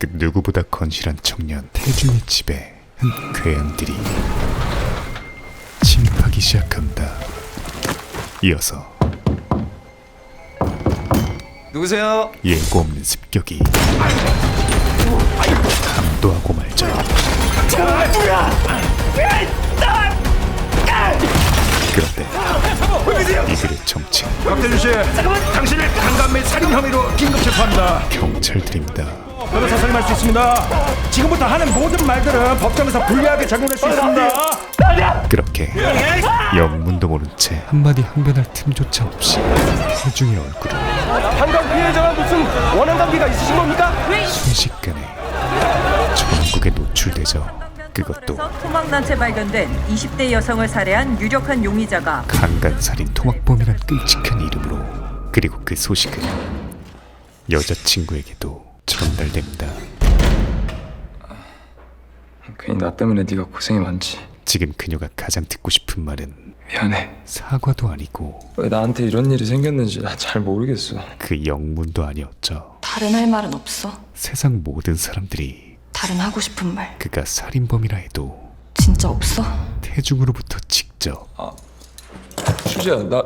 그 누구보다 건실한 청년 태중의 집에 한 괴양들이 침입하기 시작한다. 이어서 누구세요? 예고 없는 습격이 감도하고 말죠. 그런데 이들의 정체 박대준 씨, 당신을 강간 및 살인 혐의로 긴급 체포합니다. 경찰들입니다. 변호사 선임할 수 있습니다. 지금부터 하는 모든 말들은 법정에서 불리하게 작용할 수 있습니다. 그렇게 영문도 모른 채 한마디 항변할 틈조차 없이 태중의 얼굴을 강간 피해자와 무슨 원한 관계가 있으신 겁니까? 순식간에 전국에 노출되죠. 그것도 토막난채 발견된 20대 여성을 살해한 유력한 용의자가 강간살인 토막범이란 끔찍한 이름으로, 그리고 그 소식은 여자친구에게도 전달됩니다. 괜히 나 때문에 네가 고생이 많지. 지금 그녀가 가장 듣고 싶은 말은 미안해. 사과도 아니고 왜 나한테 이런 일이 생겼는지 나 잘 모르겠어. 그 영문도 아니었죠. 다른 할 말은 없어. 세상 모든 사람들이 다른 하고 싶은 말 그가 살인범이라 해도 진짜 없어? 태중으로부터 직접 수지야, 나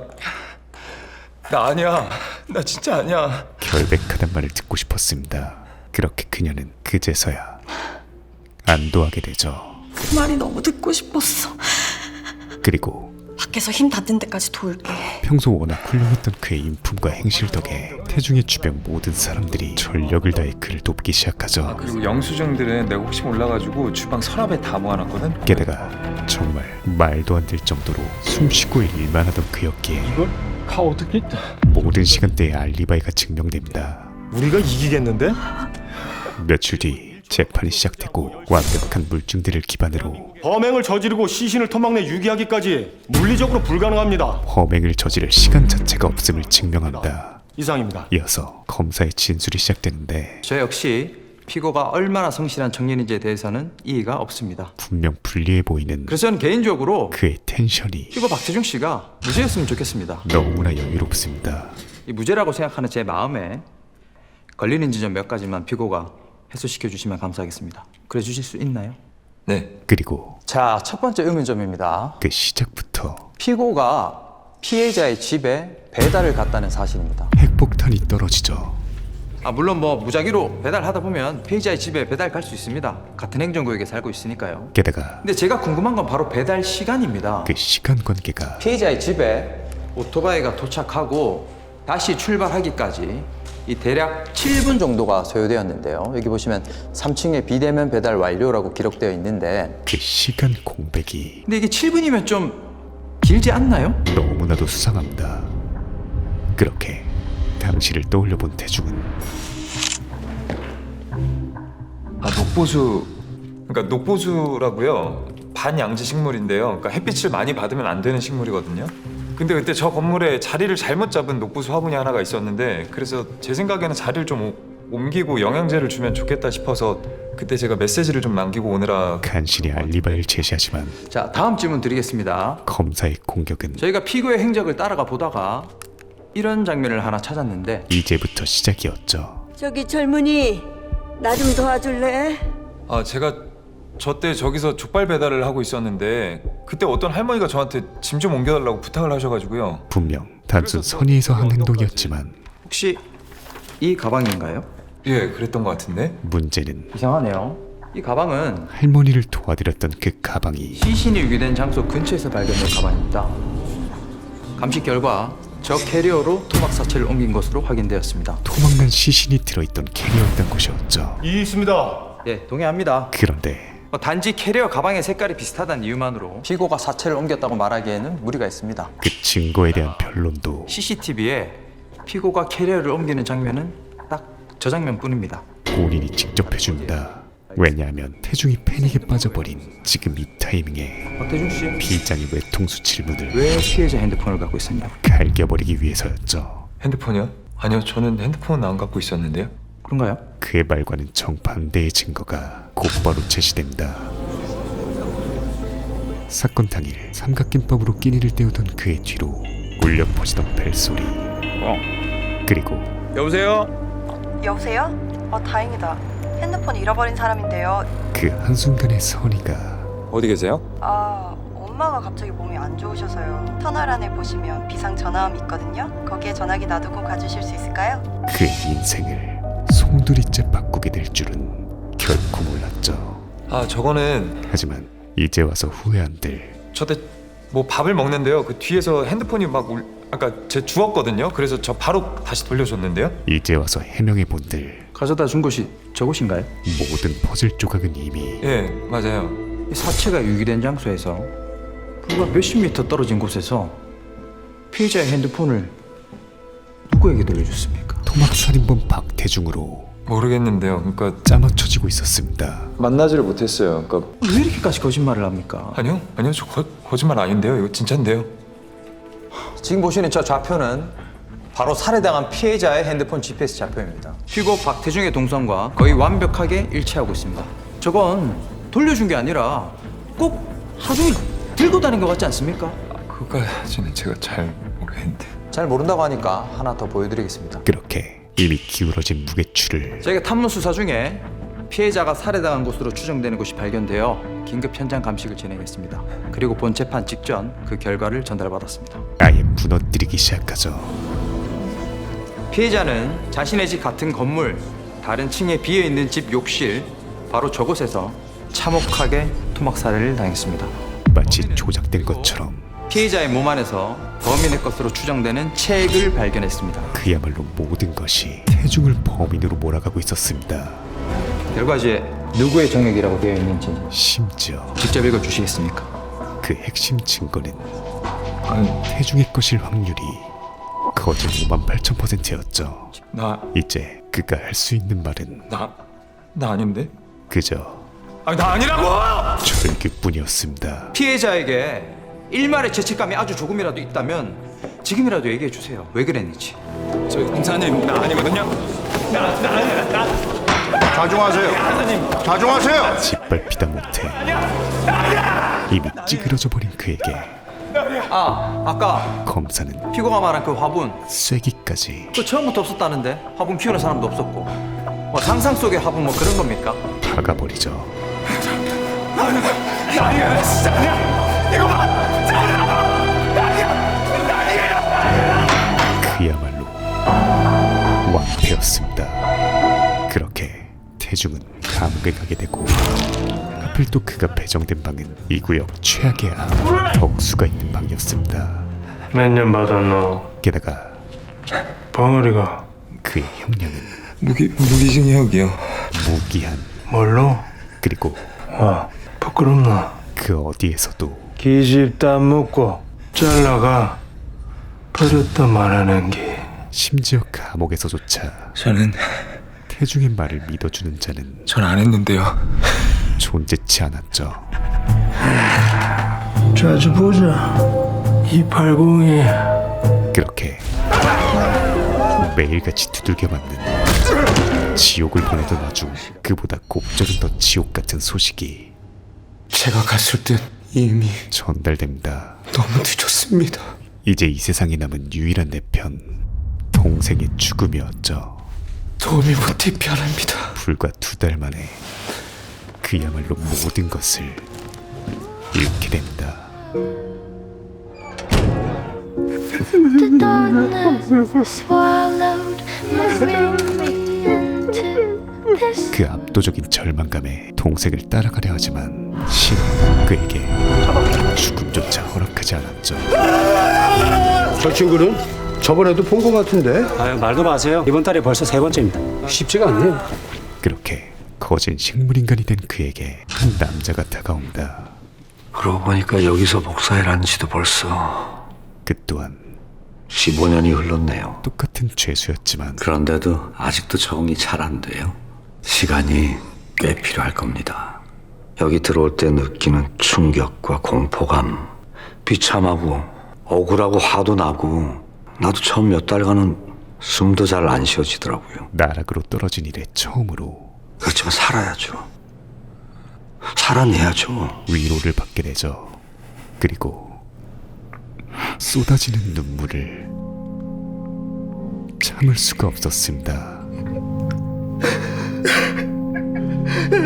아니야. 나 진짜 아니야. 결백하단 말을 듣고 싶었습니다. 그렇게 그녀는 그제서야 안도하게 되죠. 그 말이 너무 듣고 싶었어. 그리고 밖에서 힘 닿는 데까지 도울게. 평소 워낙 훌륭했던 그의 인품과 행실 덕에 태중의 주변 모든 사람들이 전력을 다해 그를 돕기 시작하죠. 그리고 영수증들은 내가 혹시 몰라가지고 주방 서랍에 다 모아놨거든. 게다가 정말 말도 안 될 정도로 숨쉬고 일만 하던 그였기에 이걸 다 어떻게? 모든 시간대에 알리바이가 증명됩니다. 우리가 이기겠는데? 며칠 뒤 재판이 시작되고 완벽한 물증들을 기반으로 범행을 저지르고 시신을 토막내 유기하기까지 물리적으로 불가능합니다. 범행을 저지를 시간 자체가 없음을 증명한다. 이상입니다. 이어서 검사의 진술이 시작되는데 저 역시 피고가 얼마나 성실한 청년인지에 대해서는 이의가 없습니다. 분명 불리해 보이는 그래서 저는 개인적으로 그의 텐션이 피고 박태중 씨가 무죄였으면 좋겠습니다. 너무나 여유롭습니다. 이 무죄라고 생각하는 제 마음에 걸리는 지점 몇 가지만 피고가 해소시켜 주시면 감사하겠습니다. 그래 주실 수 있나요? 네. 그리고 자, 첫 번째 의문점입니다. 그 시작부터 피고가 피해자의 집에 배달을 갔다는 사실입니다. 핵폭탄이 떨어지죠. 물론 무작위로 배달하다 보면 피해자의 집에 배달 갈 수 있습니다. 같은 행정구역에 살고 있으니까요. 게다가 근데 제가 궁금한 건 바로 배달 시간입니다. 그 시간 관계가 피해자의 집에 오토바이가 도착하고 다시 출발하기까지 이 대략 7분 정도가 소요되었는데요. 여기 보시면 3층에 비대면 배달 완료라고 기록되어 있는데, 그 시간 공백이 근데 이게 7분이면 좀 길지 않나요? 너무나도 수상합니다. 그렇게 당시를 떠올려본 태중은 녹보수. 그러니까 녹보수라고요. 반양지 식물인데요. 그러니까 햇빛을 많이 받으면 안 되는 식물이거든요. 근데 그때 저 건물에 자리를 잘못 잡은 녹보수 화분이 하나가 있었는데, 그래서 제 생각에는 자리를 좀 옮기고 영양제를 주면 좋겠다 싶어서 그때 제가 메시지를 좀 남기고 오느라. 간신히 알리바이를 제시하지만 자, 다음 질문 드리겠습니다. 검사의 공격은 저희가 피고의 행적을 따라가 보다가 이런 장면을 하나 찾았는데, 이제부터 시작이었죠. 저기 젊은이 나 좀 도와줄래? 제가 저때 저기서 족발 배달을 하고 있었는데 그때 어떤 할머니가 저한테 짐 좀 옮겨달라고 부탁을 하셔가지고요. 분명 단순 선의에서 한 행동이었지만 혹시 이 가방인가요? 예, 그랬던 것 같은데. 문제는 이상하네요. 이 가방은 할머니를 도와드렸던 그 가방이 시신이 유기된 장소 근처에서 발견된 가방입니다. 감식 결과 저 캐리어로 토막 사체를 옮긴 것으로 확인되었습니다. 토막난 시신이 들어있던 캐리어였던 것이었죠. 이 있습니다. 예, 동의합니다. 그런데 단지 캐리어 가방의 색깔이 비슷하다는 이유만으로 피고가 사체를 옮겼다고 말하기에는 무리가 있습니다. 그 증거에 대한 변론도 CCTV에 피고가 캐리어를 옮기는 장면은 딱 저 장면뿐입니다. 본인이 직접 해줍니다. 왜냐하면 태중이 패닉에 빠져버린 지금 이 타이밍에 박태중 씨, 피의자니 외통수 질문을 왜 피해자 핸드폰을 갖고 있었냐? 갈겨버리기 위해서였죠. 핸드폰이요? 아니요, 저는 핸드폰은 안 갖고 있었는데요. 그런가요? 그의 말과는 정반대의 증거가 곧바로 제시됩니다. 사건 당일 삼각김밥으로 끼니를 때우던 그의 뒤로 울려 퍼지던 벨소리, 그리고 여보세요? 여보세요? 다행이다. 핸드폰 잃어버린 사람인데요. 그 한순간에 선이가 어디 계세요? 엄마가 갑자기 몸이 안 좋으셔서요. 터널 안에 보시면 비상 전화함이 있거든요. 거기에 전화기 놔두고 가주실 수 있을까요? 그의 인생을 송두리째 바꾸게 될 줄은 결코 몰랐죠. 아 저거는 하지만 이제 와서 후회한들 저때 뭐 밥을 먹는데요. 그 뒤에서 핸드폰이 아까 제 주웠거든요. 그래서 저 바로 다시 돌려줬는데요. 이제 와서 해명해 본들 가져다 준 곳이 저곳인가요? 모든 퍼즐 조각은 이미 예 맞아요. 이 사체가 유기된 장소에서 불과 몇십 미터 떨어진 곳에서 피해자의 핸드폰을 누구에게 돌려줬습니까? 토막살인범 박태중으로 모르겠는데요. 그러니까 짜맞춰지고 있었습니다. 만나지를 못했어요. 그러니까 왜 이렇게까지 거짓말을 합니까? 아니요 저 거짓말 아닌데요. 이거 진짜인데요. 지금 보시는 저 좌표는 바로 살해당한 피해자의 핸드폰 GPS 좌표입니다. 피고 박태중의 동선과 거의 완벽하게 일치하고 있습니다. 저건 돌려준 게 아니라 꼭 하루 종일 들고 다닌 것 같지 않습니까? 그거까지는 제가 잘 모르겠는데. 잘 모른다고 하니까 하나 더 보여드리겠습니다. 그렇게 이미 기울어진 무게추를 저희가 탐문 수사 중에 피해자가 살해당한 곳으로 추정되는 곳이 발견되어 긴급 현장 감식을 진행했습니다. 그리고 본 재판 직전 그 결과를 전달받았습니다. 아예 무너뜨리기 시작하죠. 피해자는 자신의 집 같은 건물 다른 층에 비어있는 집 욕실 바로 저곳에서 참혹하게 토막 살해를 당했습니다. 마치 조작된 것처럼 피해자의 몸 안에서 범인의 것으로 추정되는 책을 발견했습니다. 그야말로 모든 것이 태중을 범인으로 몰아가고 있었습니다. 결과지에 누구의 정액이라고 되어 있는지 심지어 직접 읽어주시겠습니까? 그 핵심 증거는 태중의 것일 확률이 거진 58,000%였죠. 나 이제 그가 할 수 있는 말은 아닌데? 그저 아니 나 아니라고! 절규뿐이었습니다. 피해자에게 일말의 죄책감이 아주 조금이라도 있다면 지금이라도 얘기해 주세요. 왜 그랬는지. 저 형사님 나 아니거든요. 자중하세요. 짓밟히다 못해 이미 찌그러져 버린 그에게 아까 검사는 피고가 말한 그 화분 쐐기까지 그 처음부터 없었다는데 화분 키우는 사람도 없었고 뭐 상상 속의 화분 뭐 그런 겁니까? 박아버리죠. 그야말로 완패였습니다. 그렇게 태중은 감옥에 가게 되고 하필 또 그가 배정된 방은 이 구역 최악의 암 덕수가 있는 방이었습니다. 몇 년 받았노? 게다가 벙어리가 그의 형량은 무기징역이요. 무기한 뭘로? 그리고 부끄럽나? 그 어디에서도 기집 다 묻고 잘라가 버렸다 말하는 게 심지어 감옥에서조차 저는 태중의 말을 믿어주는 자는 전 안 했는데요. 존재치 않았죠. 자주 보자. 280이 그렇게 매일같이 두들겨 맞는 지옥을 보내던 와중 그보다 곱절은 더 지옥 같은 소식이 제가 갔을 땐 이미 전달됩니다. 너무 늦었습니다. 이제 이 세상에 남은 유일한 내 편, 동생의 죽음이었죠. 도움이 못해 미안합니다. 불과 2달 만에 그야말로 모든 것을 잃게 됩니다. The darkness swallowed me into this. 그 압도적인 절망감에 동생을 따라가려 하지만 신은 그에게 죽음조차 허락하지 않았죠. 저 친구는 저번에도 본 것 같은데. 아유, 말도 마세요. 이번 달에 벌써 3번째입니다. 쉽지가 않네요. 그렇게 거진 식물인간이 된 그에게 한 남자가 다가옵니다. 그러고 보니까 여기서 목사일한 지도 벌써 그 또한 15년이 흘렀네요. 똑같은 죄수였지만 그런데도 아직도 적응이 잘 안 돼요. 시간이 꽤 필요할 겁니다. 여기 들어올 때 느끼는 충격과 공포감, 비참하고 억울하고 화도 나고 나도 처음 몇 달간은 숨도 잘 안 쉬어지더라고요. 나락으로 떨어진 이래 처음으로 그렇지만 살아야죠. 살아내야죠. 위로를 받게 되죠. 그리고 쏟아지는 눈물을 참을 수가 없었습니다.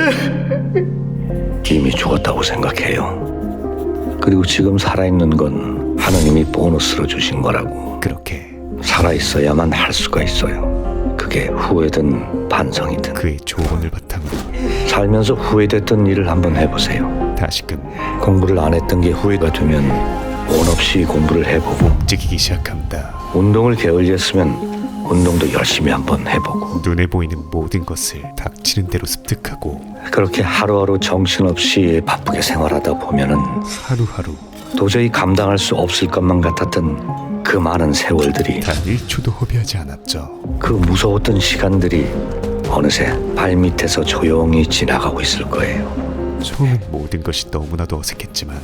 이미 죽었다고 생각해요. 그리고 지금 살아있는 건 하느님이 보너스로 주신 거라고. 그렇게 살아있어야만 할 수가 있어요. 그게 후회든 반성이든. 그의 조언을 바탕으로 살면서 후회됐던 일을 한번 해보세요. 다시금 공부를 안 했던 게 후회가 되면 온 없이 공부를 해보고, 움직이기 시작합니다. 운동을 게을리했으면 운동도 열심히 한번 해보고, 눈에 보이는 모든 것을 닥치는 대로 습득하고 그렇게 하루하루 정신없이 바쁘게 생활하다 보면은 하루하루 도저히 감당할 수 없을 것만 같았던 그 많은 세월들이, 단 1초도 허비하지 않았죠. 그 무서웠던 시간들이 어느새 발밑에서 조용히 지나가고 있을 거예요. 처음엔 모든 것이 너무나도 어색했지만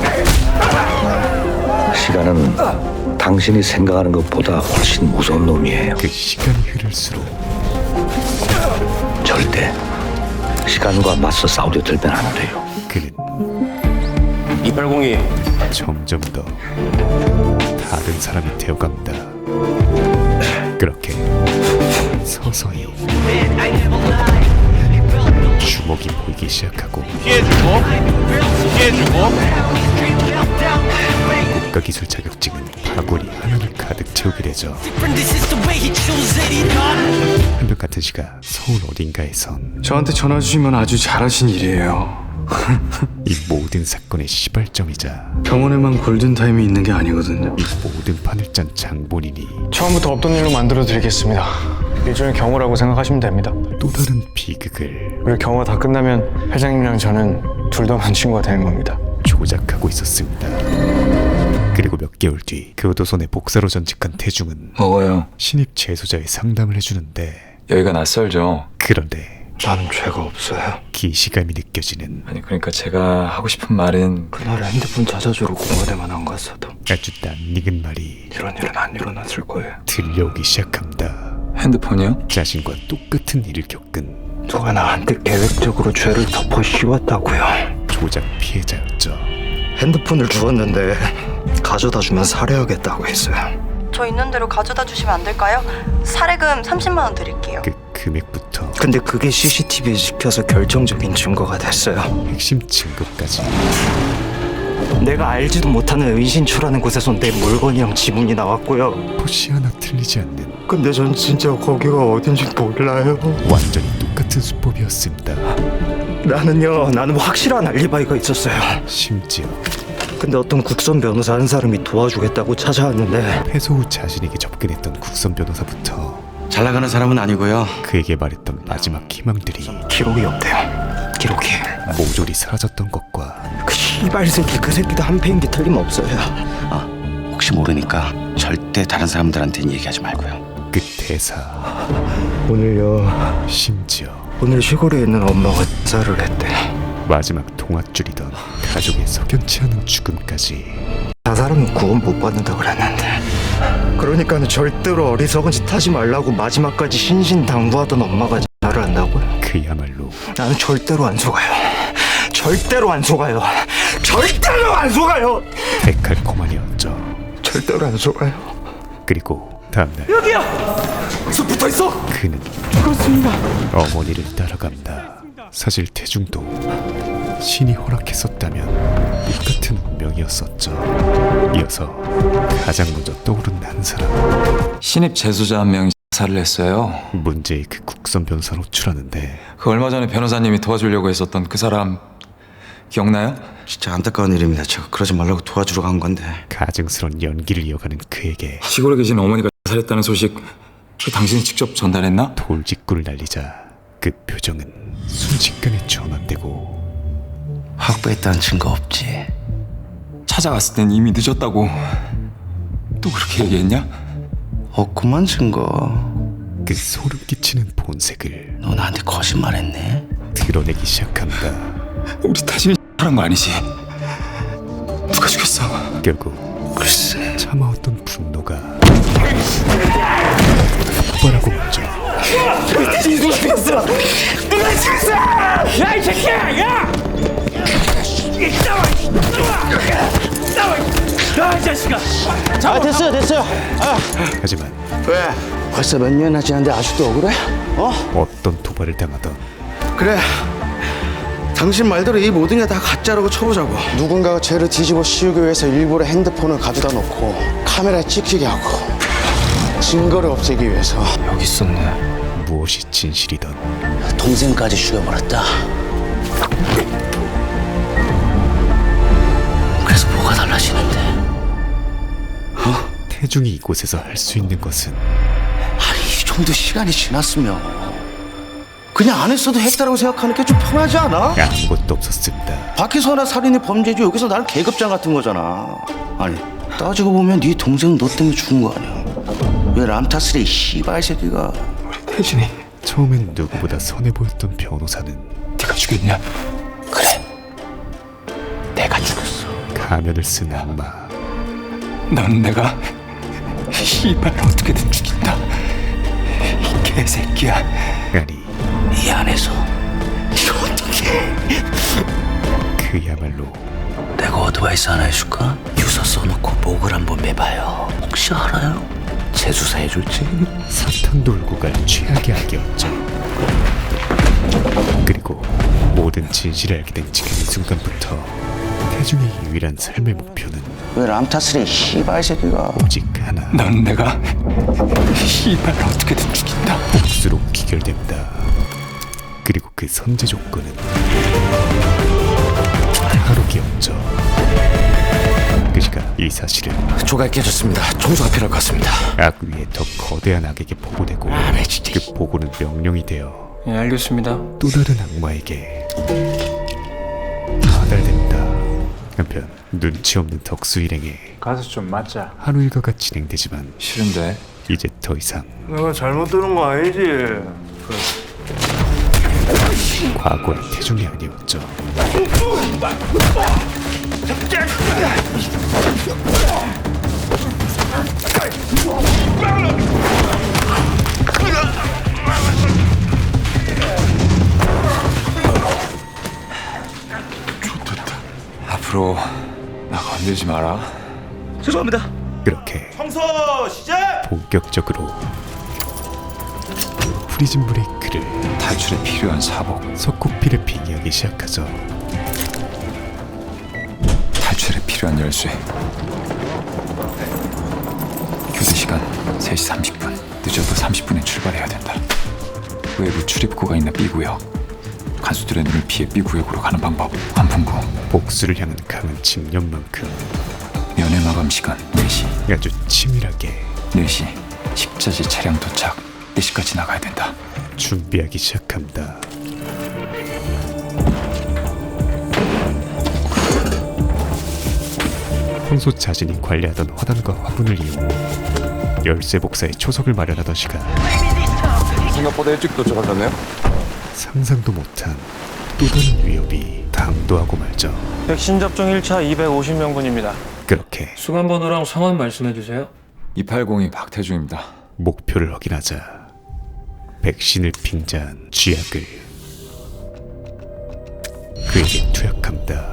시간은 당신이 생각하는 것보다 훨씬 무서운 놈이에요. 그 시간이 흐를수록 절대 시간과 맞서 싸우려 들면 안 돼요. 그는 2802 점점 더 다른 사람이 되어갑니다. 그렇게 서서히 주먹이 보이기 시작하고 국가기술 자격증은 바구니 하나를 가득 채우게 되죠. 한편 같은 시각 서울 어딘가에선 저한테 전화 주시면 아주 잘하신 일이에요. 이 모든 사건의 시발점이자 병원에만 골든타임이 있는 게 아니거든요. 이 모든 판을 짠 장본인이 처음부터 없던 일로 만들어 드리겠습니다. 일종의 경호라고 생각하시면 됩니다. 또 다른 비극을 우리 경호 다 끝나면 회장님이랑 저는 둘 다만 친구가 되는 겁니다. 조작하고 있었습니다. 그리고 몇 개월 뒤 교도소내 복사로 전직한 태중은 먹어요. 신입 재소자의 상담을 해주는데 여기가 낯설죠. 그런데 나는 죄가 없어요. 기시감이 느껴지는 아니 그러니까 제가 하고 싶은 말은 그날 핸드폰 찾아주러 공원에만 안 갔어도 아주 낯익은 말이 이런 일은 안 일어났을 거예요. 들려오기 시작합니다. 핸드폰이요? 자신과 똑같은 일을 겪은 누가 나한테 계획적으로 죄를 덮어 씌웠다고요. 조작 피해자였죠. 핸드폰을 주었는데 가져다 주면 살해하겠다고 했어요. 저 있는 대로 가져다 주시면 안 될까요? 사례금 30만 원 드릴게요. 그 금액부터 근데 그게 CCTV에 찍혀서 결정적인 증거가 됐어요. 핵심 증거까지 내가 알지도 못하는 의신초라는 곳에서 내 물건이랑 지문이 나왔고요. 포시 하나 틀리지 않는 근데 전 진짜 거기가 어딘지 몰라요. 완전히 똑같은 수법이었습니다. 나는 확실한 알리바이가 있었어요. 심지어 근데 어떤 국선 변호사 한 사람이 도와주겠다고 찾아왔는데 패소 후 자신에게 접근했던 국선 변호사부터 잘 나가는 사람은 아니고요. 그에게 말했던 마지막 희망들이 기록이 없대요. 기록이. 모조리 사라졌던 것과 그 씨발 새끼 그 새끼도 한패인 게 틀림없어요. 혹시 모르니까 절대 다른 사람들한테는 얘기하지 말고요. 그 대사 오늘요. 심지어 오늘 시골에 있는 엄마가 자살을 했대. 마지막 동화줄이던 가족의 석연치 않은 죽음까지 자살하면 구원 못 받는다 그랬는데 그러니까는 절대로 어리석은 짓 하지 말라고 마지막까지 신신당부하던 엄마가 자살을 한다고요. 그야말로 나는 절대로 안 속아요. 절대로 안 속아요. 절대로 안 속아요. 데칼코마니였죠. 절대로 안 속아요. 그리고 다음날 여기요. 서 붙어 있어. 그는 죽었습니다. 어머니를 따라간다. 사실 태중도 신이 허락했었다면 똑같은 운명이었었죠. 이어서 가장 먼저 떠오른 한 사람, 신입 재소자 한 명이 자살을 했어요. 문제의 그 국선 변호사 노출하는데 그 얼마 전에 변호사님이 도와주려고 했었던 그 사람 기억나요? 진짜 안타까운 일입니다. 제가 그러지 말라고 도와주러 간 건데. 가증스러운 연기를 이어가는 그에게 시골에 계신 어머니가 자살했다는 소식 그 당신이 직접 전달했나? 돌직구를 날리자 그 표정은 순식간에 전환되고 확보했다는 증거 없지. 찾아갔을 땐 이미 늦었다고. 또 그렇게 얘기했냐? 없구만 증거. 그 소름 끼치는 본색을 너 나한테 거짓말했네. 드러내기 시작합니다. 우리 타진이 하는 거 아니지? 누가 죽였어? 결국 글쎄. 참아왔던 분노가 폭발하고 말죠. 누가 죽였어? 누가 죽였어? 야 이 새끼야! 야! 이 자식아! 됐어요. 하지만 왜? 벌써 몇 년이나 지났는데 아직도 억울해? 어떤 도발을 당하던 그래. 당신 말대로 이 모든 게 다 가짜라고 쳐보자고. 누군가가 죄를 뒤집어 씌우기 위해서 일부러 핸드폰을 가져다 놓고 카메라에 찍히게 하고 증거를 없애기 위해서. 여기 있었네. 무엇이 진실이던 동생까지 죽여버렸다. 그래서 뭐가 달라지는데? 태중이 이곳에서 할 수 있는 것은 아니 이 정도 시간이 지났으면 그냥 안 했어도 했다라고 생각하는 게 좀 편하지 않아? 아무것도 없었습니다. 밖에서 하나 살인이 범죄지 여기서 나는 계급장 같은 거잖아. 아니 따지고 보면 네 동생 너 때문에 죽은 거 아니야. 왜 람타스레 이 씨발 새끼가. 태진이 처음엔 누구보다 선해 보였던 변호사는 네가 죽였냐? 그래. 내가 죽였어. 가면을 쓴 악마. 넌 내가 씨발 어떻게든 죽인다. 이 개새끼야. 아니 이 안에서 그야말로 내가 어드바이스 하나 해줄까? 유서 써놓고 목을 한번 매봐요. 혹시 알아요? 재수사 해줄지? 사탕 돌고 갈 최악의 악이었죠. 그리고 모든 진실을 알게 된 지금 이 순간부터 태중의 유일한 삶의 목표는 왜 람타스레 이 씨발 새끼가. 오직 하나. 넌 내가 씨발 어떻게든 죽인다. 복수로 귀결됩니다. 그리고 그 선제 조건은 하루기였죠. 그 시간 이 사실은 조각이 깨졌습니다. 청소가 필요할 것 같습니다. 악 위에 더 거대한 악에게 보고되고 네, 진짜. 그 보고는 명령이 되어 예, 알겠습니다. 또 다른 악마에게 전달됩니다. 한편 눈치 없는 덕수 일행에 가서 좀 맞자. 하루 일과가 진행되지만 싫은데. 이제 더 이상 내가 잘못 들은 거 아니지? 과거의 태중이 아니었죠. 앞으로 나 건들지 마라. 죄송합니다. 그렇게 청소 시작! 본격적으로 프리즌 브레이크를 탈출에 필요한 사복. 석고피를 빙의하기 시작하죠. 탈출에 필요한 열쇠. 교대 시간 3시 30분. 늦어도 30분에 출발해야 된다. 외부 출입구가 있는 B구역. 간수들의 눈을 피해 B구역으로 가는 방법. 안풍구. 복수를 향한 강한 집념만큼 면회 마감 시간 4시. 아주 치밀하게 4시. 식자재 차량 도착. 4시까지 나가야 된다. 준비하기 시작합니다. 평소 자신이 관리하던 화단과 화분을 이용 열쇠 복사에 초석을 마련하던 시간 생각보다 일찍 도착하셨네요. 상상도 못한 또 다른 위협이 당도하고 말죠. 백신 접종 1차 250명분입니다. 그렇게 수감번호랑 성함 말씀해 주세요. 2802 박태중입니다. 목표를 확인하자 백신을 빙자한 쥐약을 그에게 투약합니다.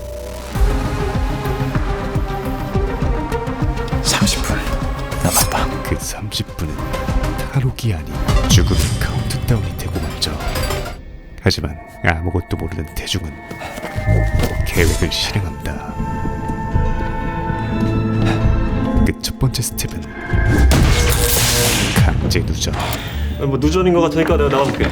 30분 남았다. 그 30분은 탈옥이 아닌 죽음의 카운트다운이 되고 말죠. 하지만 아무것도 모르는 태중은 계획을 실행합니다. 그 첫 번째 스텝은 강제 누적. 뭐 누전인 것 같으니까 내가 나가볼게.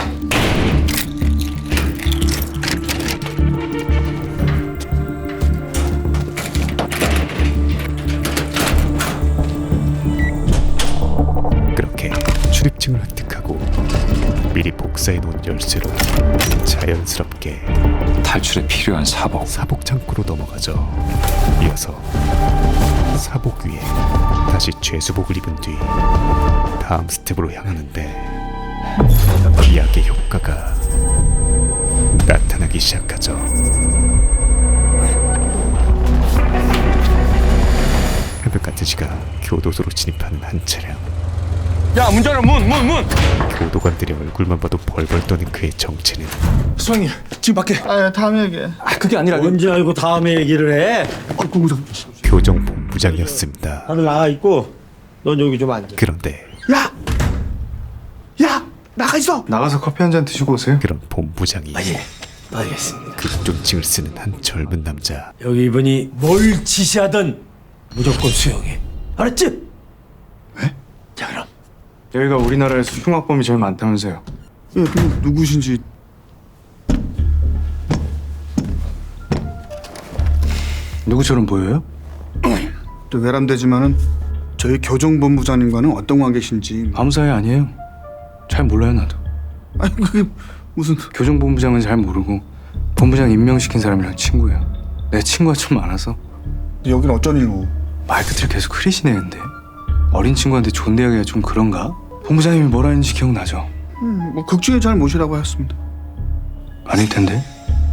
그렇게 출입증을 획득하고 미리 복사해 놓은 열쇠로 자연스럽게 탈출에 필요한 사복. 사복 창고로 넘어가죠. 이어서 사복 위에 다시 죄수복을 입은 뒤 다음 스텝으로 향하는데 비약의 효과가 나타나기 시작하죠. 새벽 같은 시각 교도소로 진입하는 한 차량. 야, 문 열어, 문! 교도관들의 얼굴만 봐도 벌벌 떠는 그의 정체는 수장님, 지금 밖에. 다음에 얘기해. 그게 아니라. 언제 알고 다음에 얘기를 해? 교정본부장이었습니다. 다들 나가 있고 넌 여기 좀 앉아. 그런데 야! 나가 있어! 나가서 커피 한 잔 드시고 오세요. 그런 본부장이 알겠습니다. 극존칭을 쓰는 한 젊은 남자. 여기 이분이 뭘 지시하든 무조건 수용해. 알았지? 네? 자 그럼. 여기가 우리나라에서 흉악범이 제일 많다면서요. 예, 그럼 누구신지. 누구처럼 보여요? 또 외람되지만은 저희 교정본부장님과는 어떤 관계신지. 아무 사이 아니에요. 잘 몰라요 나도. 아니 그게 무슨. 교정본부장은 잘 모르고 본부장 임명시킨 사람이랑 친구예요. 내 친구가 좀 많아서. 여긴 어쩐 일로? 말끝을 계속 흐리시네 근데. 어린 친구한테 존대하기가 좀 그런가? 본부장님이 뭐라 했는지 기억나죠? 뭐 극중에 잘 모시라고 하였습니다. 아닐 텐데.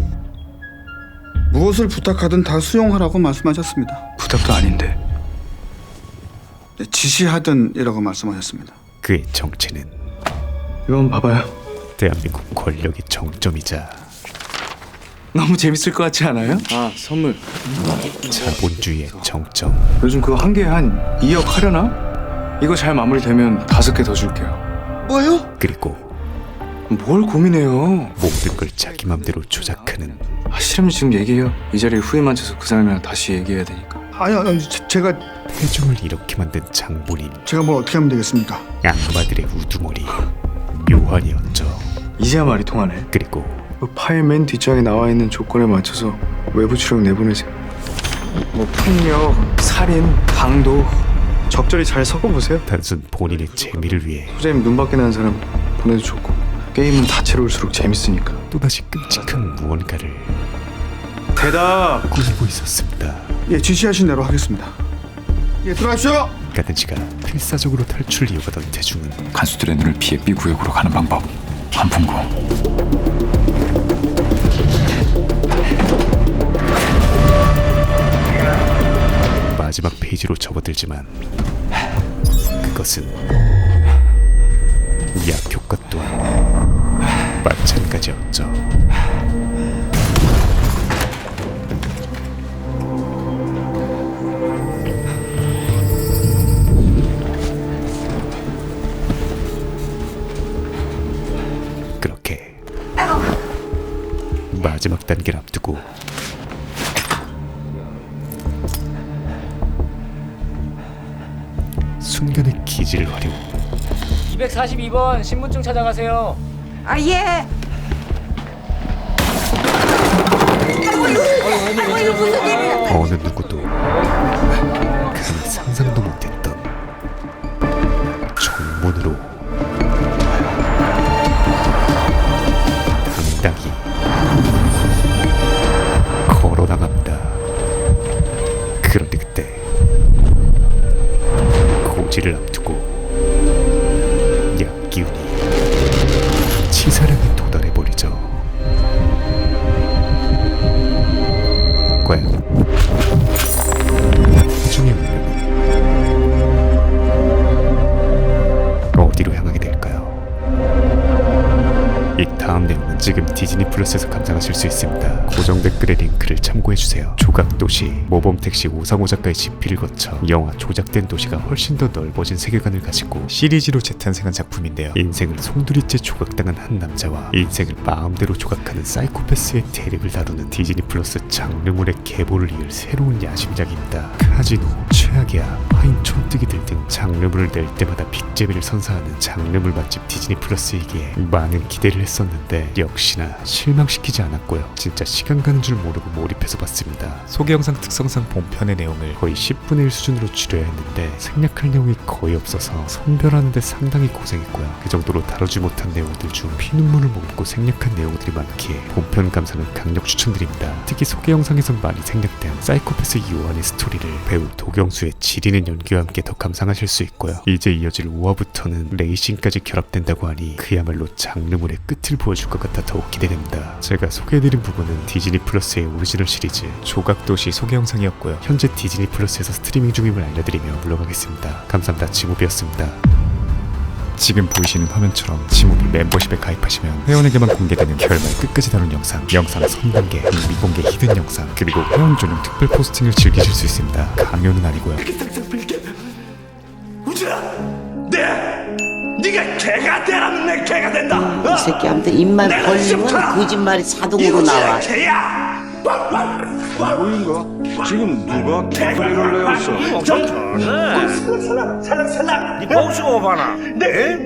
무엇을 부탁하든 다 수용하라고 말씀하셨습니다. 부탁도 아닌데. 네, 지시하든이라고 말씀하셨습니다. 그의 정체는 이건 봐봐요. 대한민국 권력의 정점이자 너무 재밌을 것 같지 않아요? 아 선물. 자본주의의 정점. 요즘 그거 한 개에 한 2억 하려나? 이거 잘 마무리되면 5개 더 줄게요. 뭐요? 그리고 뭘 고민해요? 모든 걸 자기 맘대로 조작하는 싫으면 지금 얘기해요. 이 자리에 후회 만져서 그 사람이랑 다시 얘기해야 되니까. 아니 제가 태중을 이렇게 만든 장본인. 제가 뭘 어떻게 하면 되겠습니까? 악마들의 우두머리 묘환이었죠. 이제야 말이 통하네. 그리고 그 파일 맨 뒷장에 나와 있는 조건에 맞춰서 외부 추력 내보내세요. 뭐 폭력, 살인, 강도 적절히 잘 섞어보세요. 단순 본인의 재미를 위해 소장님 눈밖에 나는 사람 보내도 좋고 게임은 다채로울수록 재밌으니까. 또다시 끔찍한 무언가를 대답! 꾸미고 있었습니다. 예, 지시하신 대로 하겠습니다. 예, 들어가십시오. 가든지가 필사적으로 탈출을 이어가던 태중은 간수들의 눈을 피해 B 구역으로 가는 방법 한풍구. 마지막 페이지로 접어들지만 그것은 약효과 또한 마찬가지였죠. 그렇게 마지막 단계를 앞두고 순간의 기지를 활용 242번 신분증 찾아가세요. 아 예. 어느 누구도 감히 상상도 못했던 정문으로 당당히 걸어나갑니다. 그런데 그때 고지를 앞두고 약기운이 치사량에 도달해버리죠. 과연 태중의 운명은 어디로 향하게 될까요? 이 다음 내용은 지금 디즈니 플러스에서 감상하실 수 있습니다. 고정 댓글의 링크를 참고해주세요. 조각도시, 모범택시 오상호 작가의 집필을 거쳐 영화 조작된 도시가 훨씬 더 넓어진 세계관을 가지고 시리즈로 재탄생한 작품인데요. 인생을 송두리째 조각당한 한 남자와 인생을 마음대로 조각하는 사이코패스의 대립을 다루는 디즈니 플러스 장르물의 계보를 이을 새로운 야심작입니다. 카지노, 최악의 암, 파인 촌뜨기들 등 장르물을 낼 때마다 빅재미를 선사하는 장르물 맛집 디즈니 플러스이기에 많은 기대를 했었는데 역시나 실망시키지 않았고요. 진짜 시간 가는 줄 모르고 몰입해서 봤습니다. 소개 영상 특성상 본편의 내용을 거의 10분의 1 수준으로 줄여야 했는데 생략할 내용이 거의 없어서 선별하는데 상당히 고생했고요. 그 정도로 다루지 못한 내용들 중 피눈물을 머금고 생략한 내용들이 많기에 본편 감상을 강력 추천드립니다. 특히 소개 영상에선 많이 생략된 사이코패스 요한의 스토리를 배우 도경수의 지리는 연기와 함께 더 감상하실 수 있고요. 이제 이어질 5화부터는 레이싱까지 결합된다고 하니 그야말로 장르물의 끝을 보여줄 것 같아 더욱 기대됩니다. 제가 소개해드린 부분은 디즈니 플러스의 오리지널 시리즈 조각도시 소개 영상이었고요. 현재 디즈니 플러스에서 스트리밍 중임을 알려드리며 물러가겠습니다. 감사합니다. 지모비였습니다. 지금 보이시는 화면처럼 지모비 멤버십에 가입하시면 회원에게만 공개되는 결말 끝까지 다룬 영상 선단계, 미공개 히든 영상, 그리고 회원 전용 특별 포스팅을 즐기실 수 있습니다. 강요는 아니고요. 네가 개가 되라면 내 개가 된다. 이 새끼한테 입만 벌리면 거짓말이 자동으로 나와. 개야. 뭐인가? 지금 누가 개소리를 내었어? 살랑살랑. 네 봉수가 오바나. 네.